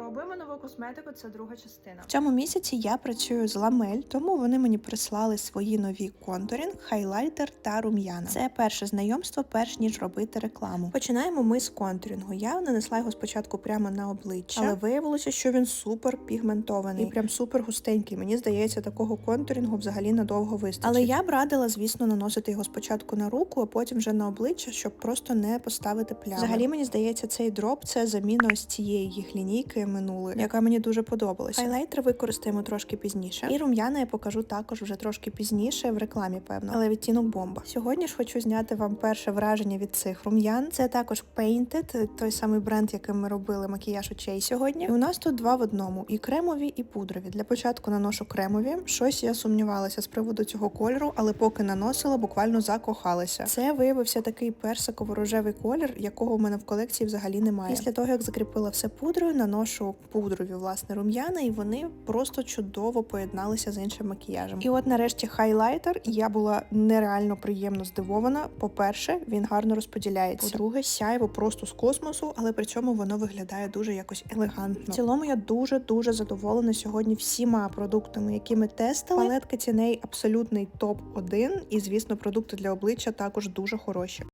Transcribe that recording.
Пробуємо нову косметику, це друга частина. В цьому місяці я працюю з Ламель, тому вони мені прислали свої нові контурінг, хайлайтер та рум'яна. Це перше знайомство, перш ніж робити рекламу. Починаємо ми з контурінгу. Я нанесла його спочатку прямо на обличчя, але виявилося, що він супер пігментований і прям супер густенький. Мені здається, такого контурінгу взагалі надовго вистачить. Але я б радила, звісно, наносити його спочатку на руку, а потім вже на обличчя, щоб просто не поставити плями. Взагалі, мені здається, цей дроп це заміна ось цієї їх лінійки минулої, яка мені дуже подобалася. Хайлайтер використаємо трошки пізніше. І рум'яна я покажу також вже трошки пізніше в рекламі, певно. Але відтінок бомба. Сьогодні ж хочу зняти вам перше враження від цих рум'ян. Це також Painted, той самий бренд, яким ми робили макіяж очей сьогодні. І у нас тут два в одному: і кремові, і пудрові. Для початку наношу кремові. Щось я сумнівалася з приводу цього кольору, але поки наносила, буквально закохалася. Це виявився такий персиково-рожевий колір, якого в мене в колекції взагалі немає. Після того, як закріпила все пудрою, наношу пудрові, власне, рум'яна, і вони просто чудово поєдналися з іншим макіяжем. І от нарешті хайлайтер. Я була нереально приємно здивована. По-перше, він гарно розподіляється. По-друге, сяйво просто з космосу, але при цьому воно виглядає дуже якось елегантно. В цілому я дуже задоволена сьогодні всіма продуктами, які ми тестили. Палетка ціней абсолютний топ-1, і, звісно, продукти для обличчя також дуже хороші.